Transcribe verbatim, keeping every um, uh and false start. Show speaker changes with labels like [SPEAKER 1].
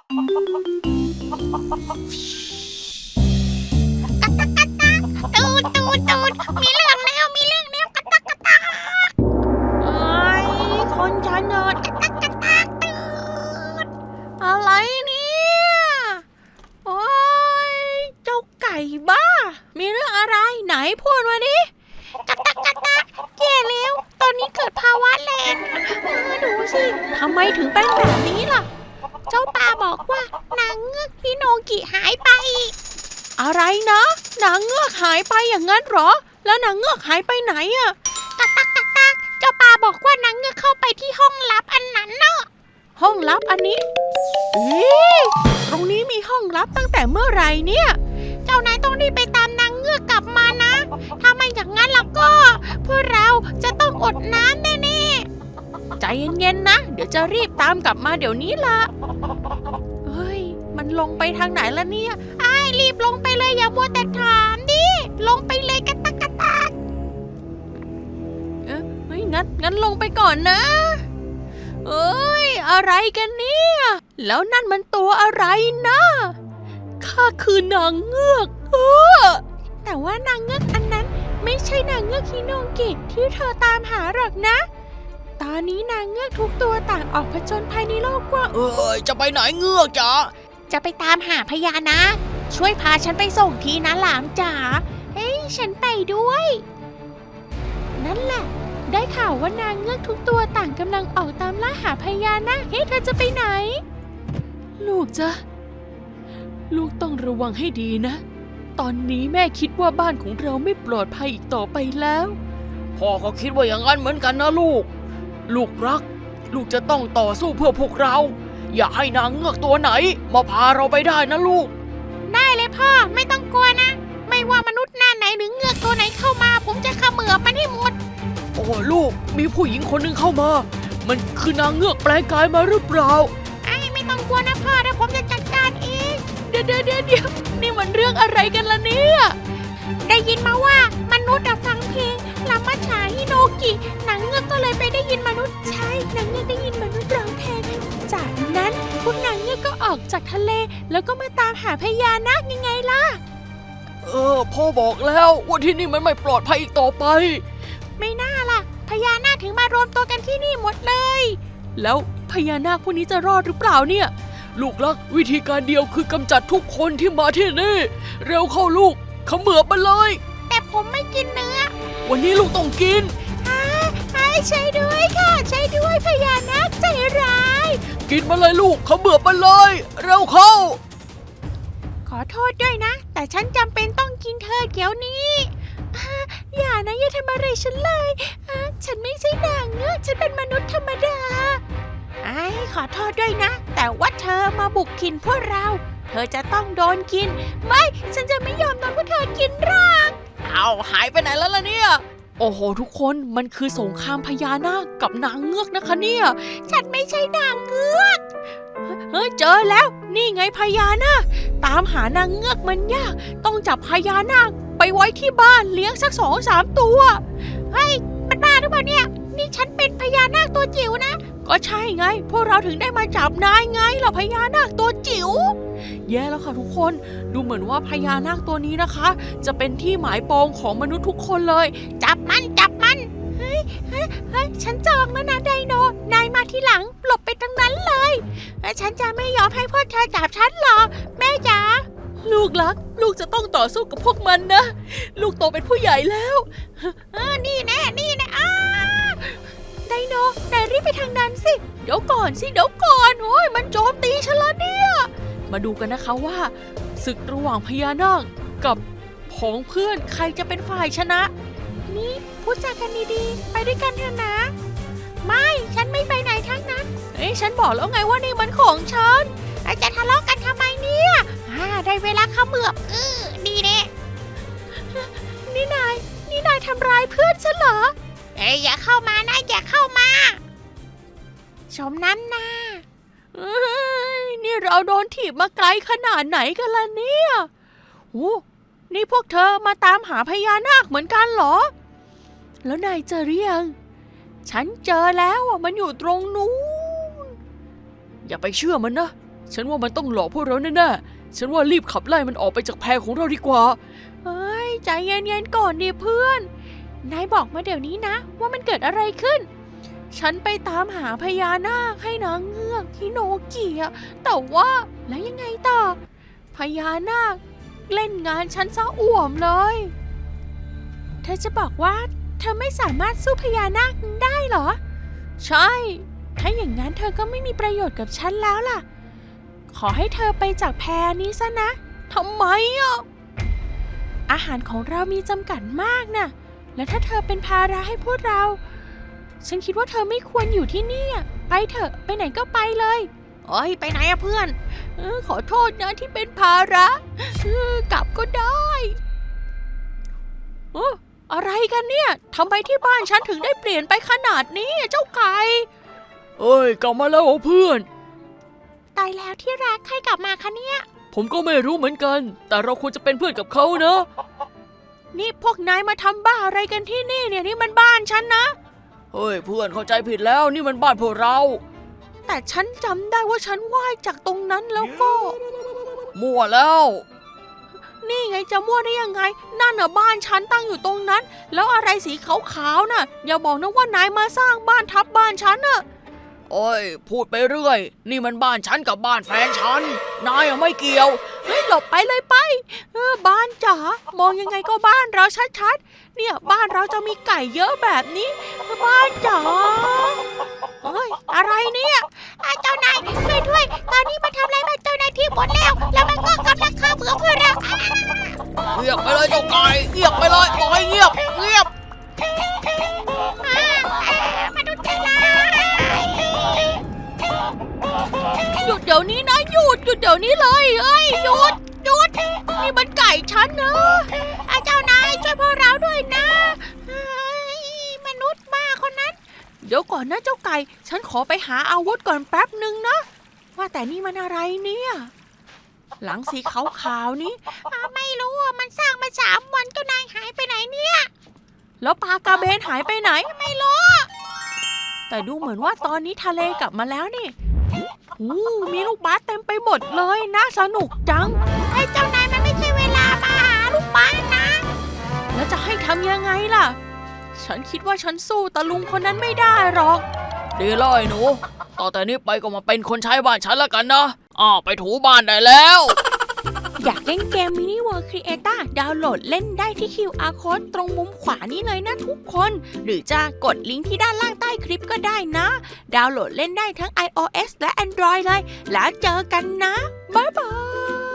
[SPEAKER 1] ตูดตูดตูดมีเรื่องแล้วมีเรื่องแล้วกระตักกระตักเอ้ยคนจะนอนกระตักกระตักตูดอะไรเนี่ยโอ้ยเจ้าไก่บ้ามีเรื่องอะไรไหนพูดมาดิกระตักกระตักแย่แล้วตอนนี้เกิดภาวะแลนดูสิทำไมถึงเป็นแบบนี้ล่ะเจ้าป่าบอกว่านางเงือกฮิโนกิหายไปอะไรนะนางเงือกหายไปอย่างนั้นเหรอแล้วนางเงือกหายไปไหนอะตักตักตักตักเจ้าป่าบอกว่านางเงือกเข้าไปที่ห้องลับอันนั้นเนาะห้องลับอันนี้เอ๊ะตรงนี้มีห้องลับตั้งแต่เมื่อไหร่เนี่ยเจ้านายต้องรีบไปตามนางเงือกกลับมานะถ้าไม่อย่างนั้นแล้วก็พวกเราจะต้องอดน้ำแน่ๆใจเย็นๆนะเดี๋ยวจะรีบตามกลับมาเดี๋ยวนี้ล่ะเฮ้ยมันลงไปทางไหนล่ะเนี่ยไอ้รีบลงไปเลยอย่ามัวแต่ถามดิลงไปเลยกระตักกระตักเอ๊ะเฮ้ยงั้นงั้นลงไปก่อนนะเอ้ยอะไรกันเนี่ยแล้วนั่นมันตัวอะไรนะข้าคือนางเงือกเออแต่ว่านางเงือกอันนั้นไม่ใช่นางเงือกฮิโนกิที่เธอตามหาหรอกนะตอนนี้นางเงือกทุกตัวต่างออกผจญภัยในโลกกว้างเอ้ยจะไปไหนเงือกจ๋าจะไปตามหาพญานาคช่วยพาฉันไปส่งทีนะหลามจ๋าเฮ้ยฉันไปด้วยนั่นแหละได้ข่าวว่านางเงือกทุกตัวต่างกำลังออกตามล่าหาพญานาคเฮ้ยเธอจะไปไหนลูกจ๊ะลูกต้องระวังให้ดีนะตอนนี้แม่คิดว่าบ้านของเราไม่ปลอดภัยอีกต่อไปแล้วพ่อก็คิดว่าอย่างนั้นเหมือนกันนะลูกลูกรักลูกจะต้องต่อสู้เพื่อพวกเราอย่าให้นางเงือกตัวไหนมาพาเราไปได้นะลูกได้เลยพ่อไม่ต้องกลัวนะไม่ว่ามนุษย์หน้าไหนหรือเงือกตัวไหนเข้ามาผมจะเขมือบมันให้หมดโอ้ลูกมีผู้หญิงคนหนึ่งเข้ามามันคือนางเงือกแปลงกายมาหรือเปล่าไอ้ไม่ต้องกลัวนะพ่อเดี๋ยวผมจะจัดการเองเดี๋ยวเดี๋ยวเดี๋ยวเดี๋ยวนี่มันเรื่องอะไรกันล่ะเนี่ยได้ยินมาว่ามนุษย์ฟังเพลงลามาฉาฮิโนกินางเงือกก็เลยไปได้ยินมนุษย์ใช่นางเงือกได้ยินมนุษย์ร้องเพลงจากนั้นพวกนางเงือกก็ออกจากทะเลแล้วก็มาตามหาพญานาคยังไงล่ะเออพ่อบอกแล้วว่าที่นี่มันไม่ปลอดภัยอีกต่อไปไม่น่าล่ะพญานาคถึงมารวมตัวกันที่นี่หมดเลยแล้วพญานาคพวกนี้จะรอดหรือเปล่าเนี่ยลูกรักวิธีการเดียวคือกำจัดทุกคนที่มาที่นี่เร็วเข้าลูกเขมือบมันเลยแต่ผมไม่กินเนื้อวันนี้ลูกต้องกินให้ใช่ด้วยค่ะใช่ด้วยพญานาคใจร้ายกินมาเลยลูกเขมือบมันเลยเร็วเข้าขอโทษด้วยนะแต่ฉันจำเป็นต้องกินเธอเดี๋ยวนี้อย่านะอย่าทำอะไรฉันเลยฉันไม่ใช่นางเงือกฉันเป็นมนุษย์ธรรมดาไอ้ขอโทษด้วยนะแต่ว่าเธอมาบุกกินพวกเราเธอจะต้องโดนกินไม่ฉันจะไม่ยอมโดนพวกเธอกินหรอกเอาหายไปไหนแล้วล่ะเนี่ยโอ้โหทุกคนมันคือสงครามพญานาคกับนางเงือกนะคะเนี่ยฉันไม่ใช่นางเงือกเฮ้ยเจอแล้วนี่ไงพญานาคตามหานางเงือกมันยากต้องจับพญานาคไปไว้ที่บ้านเลี้ยงสักสองสามตัวเฮ้ยมันบ้าหรือเปล่าเนี่ยนี่ฉันเป็นพญานาคตัวจิ๋วนะก็ใช่ไงพวกเราถึงได้มาจับนายไงล่ะพญานาคตัวจิ๋วแย่แล้วค่ะทุกคนดูเหมือนว่าพญานาคตัวนี้นะคะจะเป็นที่หมายปองของมนุษย์ทุกคนเลยจับมันจับมันเฮ้ยเฮ้ยเฮ้ยฉันจองแล้วนะไดโนนายมาทีหลังหลบไปทางนั้นเลยฉันจะไม่ยอมให้พวกเธอจับฉันหรอกแม่จ๋าลูกรักลูกจะต้องต่อสู้กับพวกมันนะลูกโตเป็นผู้ใหญ่แล้วเออนี่แน่นี่แน่อ้าไดโนนายรีบไปทางนั้นสิเดี๋ยวก่อนสิเดี๋ยวก่อนโอ้ยมันโจมตีฉันแล้วเนี่ยมาดูกันนะคะว่าศึกระหว่างพญานาคกับผองเพื่อนใครจะเป็นฝ่ายชนะนี่พูดจากันดีๆไปด้วยกันเถอะนะไม่ฉันไม่ไปไหนทั้งนั้นเอ้ยฉันบอกแล้วไงว่านี่มันของฉันจะทะเลาะกันทำไมเนี่ยอ่าได้เวลาเขมือบเออดีเน่นี่นายนี่นายทำร้ายเพื่อนฉันเหรอเอ้ยอย่าเข้ามานะอย่าเข้ามาชมน้ำหน้าเอ้ยนี่เราโดนถีบมาไกลขนาดไหนกันล่ะเนี่ยโอ้นี่พวกเธอมาตามหาพญานาคเหมือนกันเหรอแล้วนายเจอหรือยังฉันเจอแล้วอ่ะมันอยู่ตรงนู้นอย่าไปเชื่อมันนะ
[SPEAKER 2] ฉันว่ามันต้องหลอกพวกเราแน่ๆฉันว่ารีบขับไล่มันออกไปจากแพของเราดีกว่า
[SPEAKER 1] เฮ้ยใจเย็นๆก่อนดิเพื่อนนายบอกมาเดี๋ยวนี้นะว่ามันเกิดอะไรขึ้นฉันไปตามหาพญานาคให้นางเงือกฮิโนกิอะแต่ว่าแล้วยังไงต่อพญานาคเล่นงานฉันซะอ่วมเลยเธอจะบอกว่าเธอไม่สามารถสู้พญานาคได้เหรอใช่ถ้าอย่างนั้นเธอก็ไม่มีประโยชน์กับฉันแล้วล่ะขอให้เธอไปจากแพนี้ซะนะทำไมอ่ะอาหารของเรามีจำกัดมากนะและถ้าเธอเป็นภาระให้พวกเราฉันคิดว่าเธอไม่ควรอยู่ที่นี่ไปเถอะไปไหนก็ไปเลยโอ้ยไปไหนอะเพื่อนเออขอโทษนะที่เป็นภาระเออกลับก็ได้เอออะไรกันเนี่ยทำไมที่บ้านฉันถึงได้เปลี่ยนไปขนาดนี้เจ้าไก่
[SPEAKER 2] เอ้ยกลับมาแล้วเพื่อน
[SPEAKER 1] ตายแล้วที่รักใครกลับมาคะเนี่ย
[SPEAKER 2] ผมก็ไม่รู้เหมือนกันแต่เราควรจะเป็นเพื่อนกับเขานะ
[SPEAKER 1] นี่พวกนายมาทำบ้าอะไรกันที่นี่เนี่ยนี่มันบ้านฉันนะ
[SPEAKER 2] เฮ้ยเพื่อนเข้าใจผิดแล้วนี่มันบ้านพวกเรา
[SPEAKER 1] แต่ฉันจำได้ว่าฉันว่ายจากตรงนั้นแล้วก็
[SPEAKER 2] มั่วแล้ว
[SPEAKER 1] นี่ไงจะมั่วได้ยังไงนั่นน่ะบ้านฉันตั้งอยู่ตรงนั้นแล้วอะไรสีขาวๆน่ะอย่าบอกนะว่านายมาสร้างบ้านทับบ้านฉันน่ะ
[SPEAKER 2] โอ้ยพูดไปเรื่อยนี่มันบ้านฉันกับบ้านแฟนฉันนายไม่เกี่ยว
[SPEAKER 1] เฮ้ยหลบไปเลยไปเออบ้านจ๋ามองยังไงก็บ้านเราชัดๆเนี่ยบ้านเราจะมีไก่เยอะแบบนี้บ้านจ๋าเฮ้ยอะไรเนี่ยเจ้านายช่วยด้วยตอนนี้มันทำอะไรมาเจ้านายที่หมดแล้วแล้วมันก็กำลังฆ่าเบื่อเพื่อนเรา
[SPEAKER 2] เงียบไปเลยเจ้าไก่เงียบไปเลยปล่อยเงียบเงียบ
[SPEAKER 1] มาดูใจร้ายหยุดเดี๋ยวนี้นะหยุดหยุดเดี๋ยวนี้เลยเอ้ยหยุดหยุดนี่มันไก่ฉันนะเจ้านายช่วยพวกเราด้วยนะมนุษย์บ้าคนนั้นเดี๋ยวก่อนนะเจ้าไก่ฉันขอไปหาอาวุธก่อนแป๊บหนึ่งนะว่าแต่นี่มันอะไรเนี่ยหลังสีขาวๆนี้ไม่รู้อ่ะมันสร้างมาสามวันเจ้านายหายไปไหนเนี่ยแล้วปลากระเบนหายไปไหนไม่รู้แต่ดูเหมือนว่าตอนนี้ทะเลกลับมาแล้วนี่อู้มีลูกบาสเต็มไปหมดเลยน่าสนุกจังไอ้เจ้านายมันไม่ใช่เวลามาหาลูกบาสนะแล้วจะให้ทำยังไงล่ะฉันคิดว่าฉันสู้ตะลุงคนนั้นไม่ได้หรอก
[SPEAKER 2] ดีเลยหนูต่อแต่นี้ไปก็มาเป็นคนใช้บ้านฉันแล้วกันนะอ้าวไปถูบ้านได้แล้ว
[SPEAKER 1] อยากเล่นเกม Mini World Creator ดาวน์โหลดเล่นได้ที่ คิว อาร์ Code ตรงมุมขวานี้เลยนะทุกคนหรือจะกดลิงก์ที่ด้านล่างใต้คลิปก็ได้นะดาวน์โหลดเล่นได้ทั้ง iOS และ Android เลยแล้วเจอกันนะบ๊ายบาย